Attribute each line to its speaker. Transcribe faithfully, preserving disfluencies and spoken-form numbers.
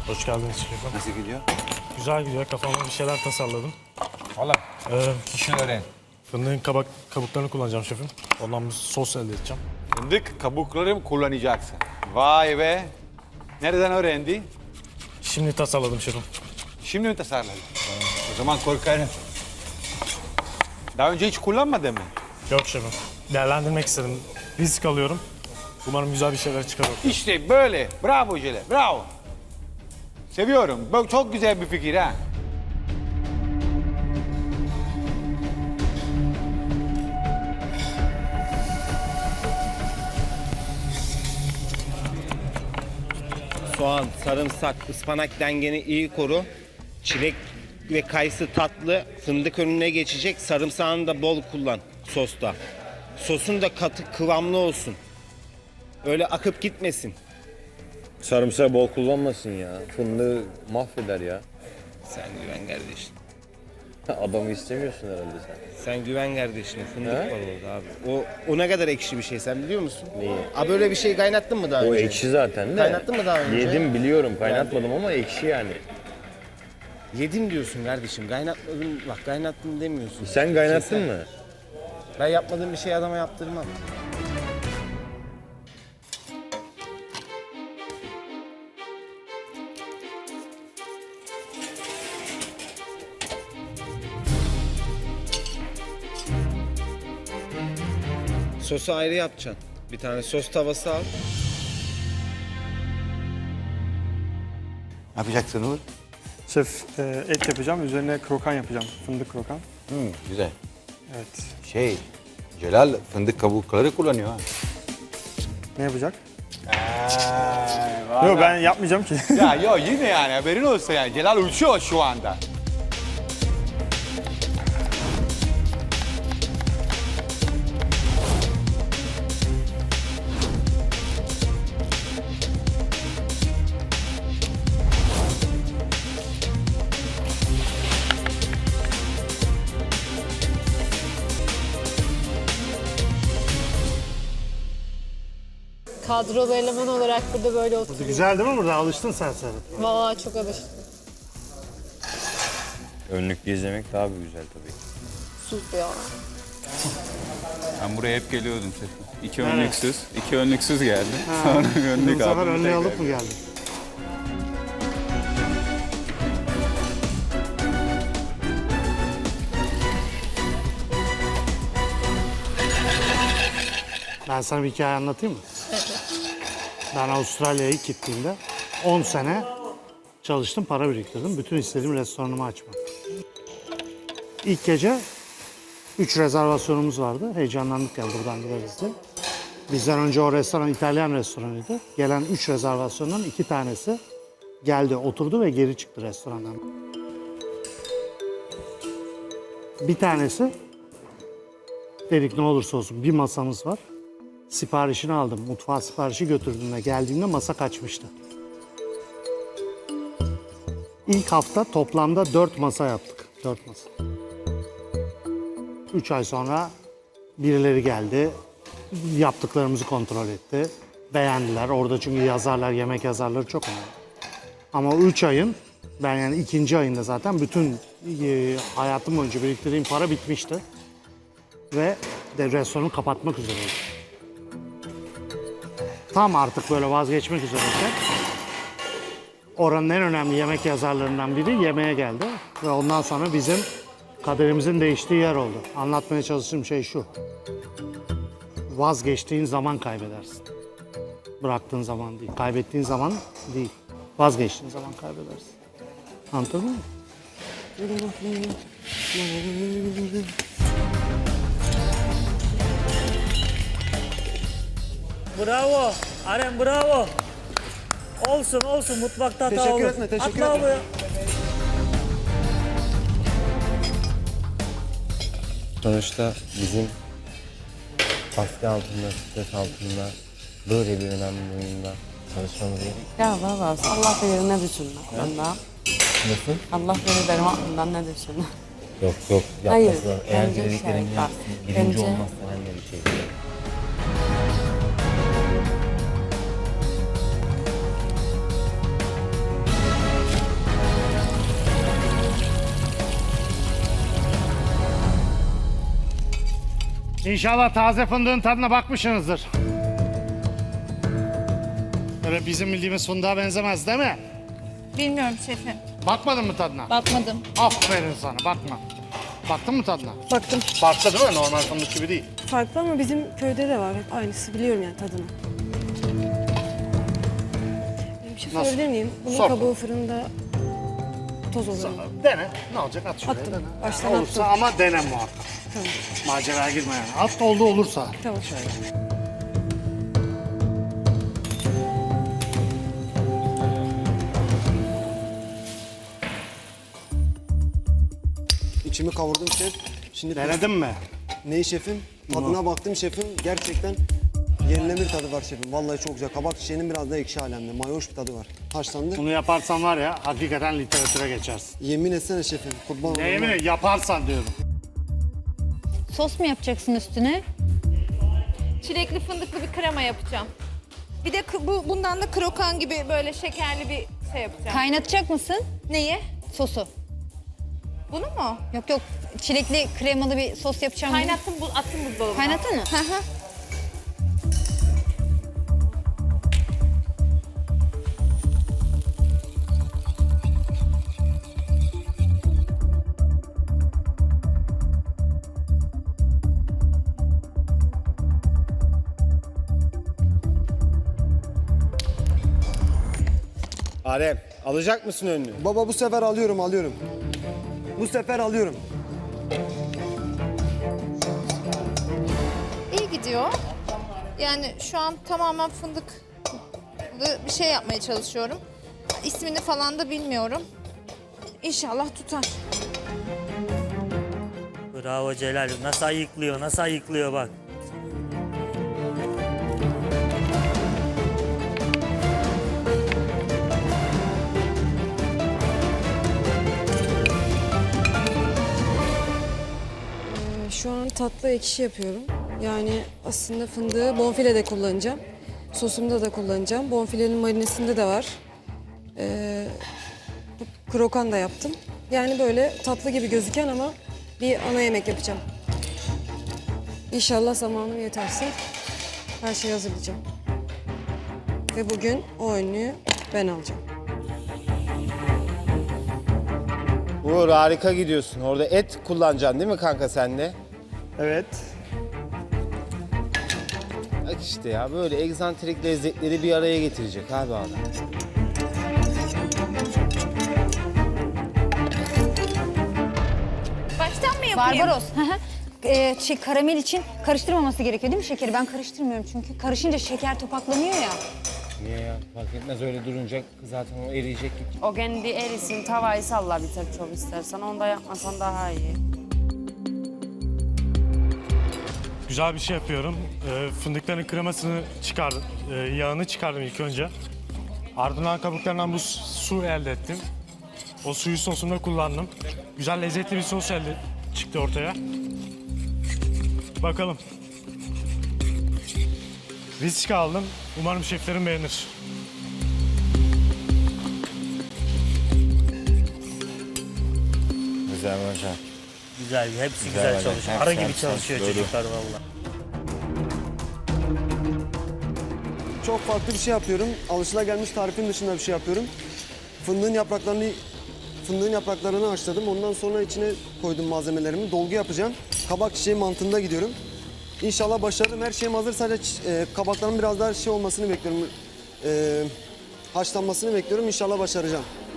Speaker 1: Hoş geldiniz şefim.
Speaker 2: Nasıl gidiyor?
Speaker 1: Güzel gidiyor. Kafamda bir şeyler tasarladım.
Speaker 2: Valla.
Speaker 1: Ee,
Speaker 2: İşini öğren.
Speaker 1: fındığın kabak, kabuklarını kullanacağım şefim. Ondan bir sos elde edeceğim.
Speaker 2: Fındık kabukları mı kullanacaksın? Vay be. Nereden öğrendi?
Speaker 1: Şimdi tasarladım şefim.
Speaker 2: Şimdi mi tasarladın? O zaman korkarım. Daha önce hiç kullanmadın mı?
Speaker 1: Yok şefim. Değerlendirmek istedim. Risk alıyorum. Umarım güzel bir şeyler çıkar.
Speaker 2: İşte böyle. Bravo Cele, bravo. Seviyorum. Bu çok güzel bir fikir ha.
Speaker 3: Soğan, sarımsak, ıspanak dengeni iyi koru. Çilek ve kayısı tatlı, fındık önüne geçecek. Sarımsağını da bol kullan sosta. Sosun da katı kıvamlı olsun. Öyle akıp gitmesin.
Speaker 4: Sarımsağı bol kullanmasın ya. Fındığı mahveder ya.
Speaker 3: Sen güven kardeşim.
Speaker 4: Adamı istemiyorsun herhalde sen.
Speaker 3: Sen güven kardeşine. Fındık
Speaker 4: He?
Speaker 3: var orada abi. O, o ne kadar ekşi bir şey sen biliyor musun?
Speaker 4: Neyi?
Speaker 3: Abi böyle bir şey kaynattın mı daha
Speaker 4: O
Speaker 3: önce?
Speaker 4: ekşi zaten de.
Speaker 3: Kaynattın mı daha önce?
Speaker 4: Yedim biliyorum kaynatmadım ama ekşi yani.
Speaker 3: Yedim diyorsun kardeşim. Kaynatmadım. Bak kaynattım demiyorsun.
Speaker 4: Sen kaynattın
Speaker 3: Şey sen-
Speaker 4: mı?
Speaker 3: Ben yapmadığım bir şey adama yaptırmam. Sosu ayrı yapacaksın. Bir tane sos tavası al.
Speaker 2: Ne yapacaksın Uğur?
Speaker 5: Şef, e, et yapacağım. Üzerine krokan yapacağım. Fındık krokan.
Speaker 2: Hmm, güzel.
Speaker 5: Evet.
Speaker 2: Şey, Celal fındık kabukları kullanıyor ha.
Speaker 5: Ne yapacak?
Speaker 2: Yok
Speaker 5: Yok ben yapmayacağım ki.
Speaker 2: Ya yok yine yani haberin olsa yani. Celal uçuyor şu anda.
Speaker 6: Kadrolu eleman olarak burada böyle oturuyorum.
Speaker 1: Güzel değil mi burada? Alıştın sen sen.
Speaker 6: Vallahi çok alıştım.
Speaker 4: Önlük izlemek daha bir güzel tabii.
Speaker 6: Sus ya.
Speaker 7: Ben buraya hep geliyordum şefim. İki önlüksüz, iki önlüksüz geldi. Sonra bir önlük aldım.
Speaker 1: önlüğü alıp mı geldin? Ben sana bir hikaye anlatayım mı? Ben Avustralya'ya ilk gittiğimde on sene çalıştım, para biriktirdim. Bütün istediğim restoranımı açmak. İlk gece üç rezervasyonumuz vardı. Heyecanlandık yani buradan gideriz diye. Bizden önce o restoran İtalyan restoranıydı. Gelen üç rezervasyondan iki tanesi geldi, oturdu ve geri çıktı restorandan. Bir tanesi dedik ne olursa olsun bir masamız var. Siparişini aldım. Mutfağa siparişi götürdüğümde geldiğimde masa kaçmıştı. İlk hafta toplamda dört masa yaptık. Dört masa. Üç ay sonra birileri geldi. Yaptıklarımızı kontrol etti. Beğendiler. Orada çünkü yazarlar, yemek yazarları çok önemli. Ama o üç ayın, ben yani ikinci ayında zaten bütün e, hayatım boyunca biriktirdiğim para bitmişti. Ve de restoranı kapatmak üzereydim. Tam artık böyle vazgeçmek üzereyken oranın en önemli yemek yazarlarından biri yemeğe geldi. Ve ondan sonra bizim kaderimizin değiştiği yer oldu. Anlatmaya çalıştığım şey şu. Vazgeçtiğin zaman kaybedersin. Bıraktığın zaman değil. Kaybettiğin zaman değil. Vazgeçtiğin zaman kaybedersin. Anladın mı?
Speaker 8: Bravo. Aren bravo. Olsun olsun mutfakta hata olur.
Speaker 5: Teşekkür etme, teşekkür
Speaker 8: Atla
Speaker 5: etme.
Speaker 8: abi.
Speaker 3: Sonuçta bizim baskı altında, stres altında böyle bir önemli oyunda çalışmamız gerekiyor.
Speaker 9: Ya baba Allah bilir ne düşünür aklında.
Speaker 3: Nasıl?
Speaker 9: Allah bilir benim aklımdan ne düşünür.
Speaker 3: Yok yok
Speaker 9: Hayır,
Speaker 3: yapmasın. Eğer
Speaker 9: bence
Speaker 3: dediklerini
Speaker 9: şey,
Speaker 3: yapsın.
Speaker 9: bak,
Speaker 3: Birinci
Speaker 9: bence-
Speaker 3: olmazsa ben de bir şey diyeyim.
Speaker 1: İnşallah taze fındığın tadına bakmışsınızdır. Öyle bizim bildiğimiz fındığa benzemez değil mi?
Speaker 6: Bilmiyorum şefim.
Speaker 1: Bakmadın mı tadına?
Speaker 6: Bakmadım.
Speaker 1: Aferin sana, bakma. Baktın mı tadına?
Speaker 10: Baktım.
Speaker 1: Farklı değil mi? Normal fındık gibi değil.
Speaker 10: Farklı ama bizim köyde de var. Hep aynısı. Biliyorum yani tadını. Bir şey
Speaker 1: Nasıl?
Speaker 10: sorabilir miyim? Bunun
Speaker 1: Sor.
Speaker 10: kabuğu fırında toz oluyor.
Speaker 1: Dene. Ne olacak? At şuraya.
Speaker 10: Attım.
Speaker 1: Dene.
Speaker 10: Baştan
Speaker 1: Olursa
Speaker 10: attım.
Speaker 1: ama dene muhakkak.
Speaker 10: Tamam.
Speaker 1: Maceraya girme yani. At oldu olursa.
Speaker 10: Tamam.
Speaker 11: İçimi kavurdum şef. Şimdi
Speaker 1: Denedin mi?
Speaker 11: neyi şefim? Tadına baktım şefim. Gerçekten yerine bir tadı var şefim. Vallahi çok güzel. Kabak çiçeğinin biraz da ekşi alemde. Mayoş bir tadı var. Haşlandı.
Speaker 1: Bunu yaparsan var ya hakikaten literatüre geçersin.
Speaker 11: Yemin etsene şefim. Kurban
Speaker 1: Ne
Speaker 11: olayım.
Speaker 1: yemin ederim, yaparsan diyorum.
Speaker 6: Sos mu yapacaksın üstüne?
Speaker 12: Çilekli fındıklı bir krema yapacağım. Bir de kı- bu bundan da krokan gibi böyle şekerli bir şey yapacağım.
Speaker 6: Kaynatacak mısın
Speaker 12: Neyi?
Speaker 6: sosu?
Speaker 12: Bunu mu?
Speaker 6: Yok yok çilekli kremalı bir sos yapacağım. diye.
Speaker 12: Kaynattım, bu attım buzdolabına.
Speaker 6: Kaynattın mı?
Speaker 12: Hı hı.
Speaker 3: Adem alacak mısın önünü?
Speaker 11: Baba bu sefer alıyorum alıyorum. Bu sefer alıyorum.
Speaker 12: İyi gidiyor. Yani şu an tamamen fındıklı bir şey yapmaya çalışıyorum. İsmini falan da bilmiyorum. İnşallah tutar.
Speaker 8: Bravo Celal. Nasıl ayıklıyor, nasıl ayıklıyor bak.
Speaker 10: Ee, Şu an tatlı ekşi yapıyorum. Yani aslında fındığı bonfile de kullanacağım. Sosumda da kullanacağım. Bonfilenin marinesinde de var. Ee, bu krokan da yaptım. Yani böyle tatlı gibi gözüken ama bir ana yemek yapacağım. İnşallah zamanım yeterse her şeyi hazırlayacağım. Ve bugün o önlüğü ben alacağım.
Speaker 3: Uğur harika gidiyorsun. Orada et kullanacaksın değil mi kanka sen de?
Speaker 5: Evet.
Speaker 3: Bak işte ya böyle egzantrik lezzetleri bir araya getirecek abi adam.
Speaker 12: Baştan mı yapayım?
Speaker 6: Barbaros. hı hı. Ee, şey, karamel için karıştırmaması gerekiyor değil mi şekeri? Ben karıştırmıyorum çünkü. Karışınca şeker topaklanıyor ya.
Speaker 3: Niye ya? Fark etmez öyle durunca zaten o eriyecek.
Speaker 9: O kendi erisin, tavayı salla bir tek çok istersen. Onu da yapmasan daha iyi.
Speaker 5: Güzel bir şey yapıyorum. Ee, fındıkların kremasını çıkardım. Ee, yağını çıkardım ilk önce. Ardından kabuklarından bu su elde ettim. O suyu sosumda kullandım. Güzel lezzetli bir sos elde çıktı ortaya. Bakalım. Risk aldım. Umarım şeflerim beğenir.
Speaker 4: Güzel hocam.
Speaker 8: Güzel, hepsi güzel,
Speaker 4: Güzel,
Speaker 8: çalışıyor.
Speaker 4: hepsi,
Speaker 8: Arı gibi
Speaker 4: hepsi,
Speaker 8: çalışıyor
Speaker 4: doğru.
Speaker 8: çocuklar valla.
Speaker 11: Çok farklı bir şey yapıyorum. Alışılagelmiş tarifin dışında bir şey yapıyorum. Fındığın yapraklarını fındığın yapraklarını haşladım. Ondan sonra içine koydum malzemelerimi. Dolgu yapacağım. Kabak çiçeği mantığında gidiyorum. İnşallah başarırım. Her şeyim hazır. Sadece e, kabakların biraz daha şey olmasını bekliyorum. E, haşlanmasını bekliyorum. İnşallah başaracağım.